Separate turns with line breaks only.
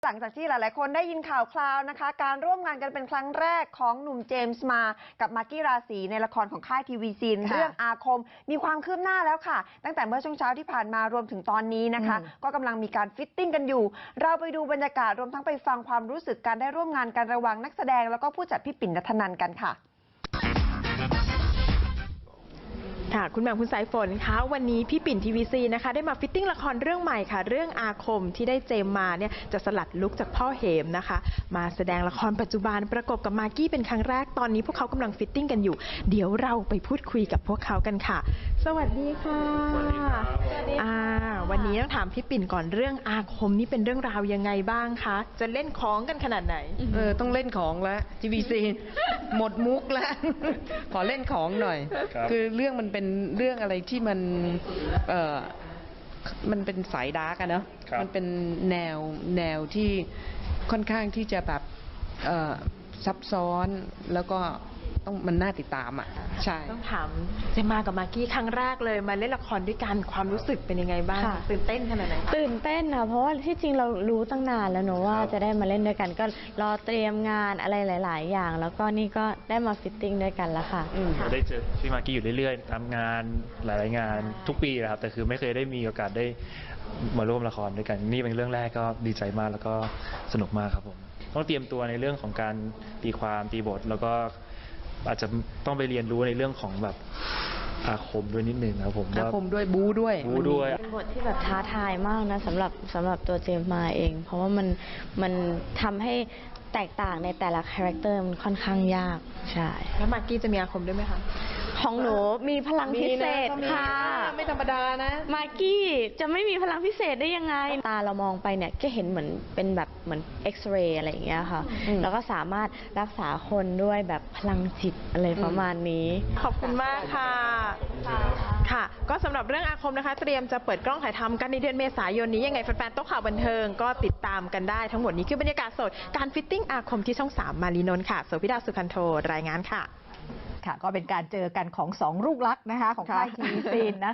หลังจากที่หลายๆคนได้ยินข่าวคราวนะคะการร่วมงานกันเป็นครั้งแรกของหนุ่มเจมส์มากับมากกี้ราศีในละครของค่ายทีวีซีนเรื่องอาคมมีความคืบหน้าแล้วค่ะตั้งแต่เมื่อช่วงเช้าที่ผ่านมารวมถึงตอนนี้นะคะก็กำลังมีการฟิตติ้งกันอยู่เราไปดูบรรยากาศรวมทั้งไปฟังความรู้สึกการได้ร่วมงานกันระหว่างนักแสดงแล้วก็ผู้จัดพี่ปิ่นณัฐนันท์กันค่ะ
คุณแหม่มคุณสายฝนคะวันนี้พี่ปิ่นทีวีซีนะคะได้มาฟิตติ้งละครเรื่องใหม่ค่ะเรื่องอาคมที่ได้เจมมาเนี่ยจะสลัดลุคจากพ่อเหมนะคะมาแสดงละครปัจจุบันประกบกับมากกี้เป็นครั้งแรกตอนนี้พวกเขากำลังฟิตติ้งกันอยู่เดี๋ยวเราไปพูดคุยกับพวกเขากันค่ะสวัสดีค่ะสวัสดีครับวันนี้ต้องถามพี่ปิ่นก่อนเรื่องอาคมนี่เป็นเรื่องราวยังไงบ้างคะจะเล่นของกันขนาดไหน
ต้องเล่นของแล้วทีวีซีหมดมุกแล้ว ขอเล่นของหน่อยคือเรื่องมันเป็นเรื่องอะไรที่มันเป็นสายดาร์กอะเนาะมันเป็นแนวที่ค่อนข้างที่จะแบบซับซ้อนแล้วก็ต้องมันน่าติดตามอ่ะใช่
ต้องถามเจมมากับมากกี้ครั้งแรกเลยมาเล่นละครด้วยกันความรู้สึกเป็นยังไงบ้างตื่นเต้นขนาดไหน
ตื่นเต้นค่ะเพราะว่าที่จริงเรารู้ตั้งนานแล้วเนอะว่าจะได้มาเล่นด้วยกันก็รอเตรียมงานอะไรหลายๆอย่างแล้วก็นี่ก็ได้มาฟิตติ้งด้วยกันแล้วค่ะ
ได้เจอพี่มากกี้อยู่เรื่อยๆตามงานหลายๆงานทุกปีนะครับแต่คือไม่เคยได้มีโอกาสได้มาร่วมละครด้วยกันนี่เป็นเรื่องแรกก็ดีใจมากแล้วก็สนุกมากครับผมต้องเตรียมตัวในเรื่องของการตีความตีบทแล้วก็อาจจะต้องไปเรียนรู้ในเรื่องของแบบอาคมด้วยนิดนึงครับผม
อาคมด้วยบู๊ด้วย
เป็นบทที่แบบท้าทายมากนะสำหรับตัวเจมส์มาเองเพราะว่ามันทำให้แตกต่างในแต่ละคาแรคเตอร์มันค่อนข้างยากใช่
แล้วมากกี้จะมีอาคมด้วยไหมคะ
ของหนูมีพลังพิเศษค่ะ
ไม่ธรรมดานะ
มากกี้จะไม่มีพลังพิเศษได้ยังไงตาเรามองไปเนี่ยก็เห็นเหมือนเป็นแบบเหมือนเอ็กซเรย์อะไรอย่างเงี้ยค่ะแล้วก็สามารถรักษาคนด้วยแบบพลังจิตอะไรประมาณนี้
ขอบคุณมากค่ะค่ะก็สำหรับเรื่องอาคมนะคะเตรียมจะเปิดกล้องถ่ายทำกันในเดือนเมษายนนี้ยังไงแฟนๆโต๊ะข่าวบันเทิงก็ติดตามกันได้ทั้งหมดนี้คือบรรยากาศสดการฟิตติ้งอาคมที่ช่อง3มารีนนท์ค่ะโสภิดาสุขันโทรายงานค่ะ
ค่ะก็เป็นการเจอกันของ2ลูกรักนะคะของค่ายทีวีซีนนะคะ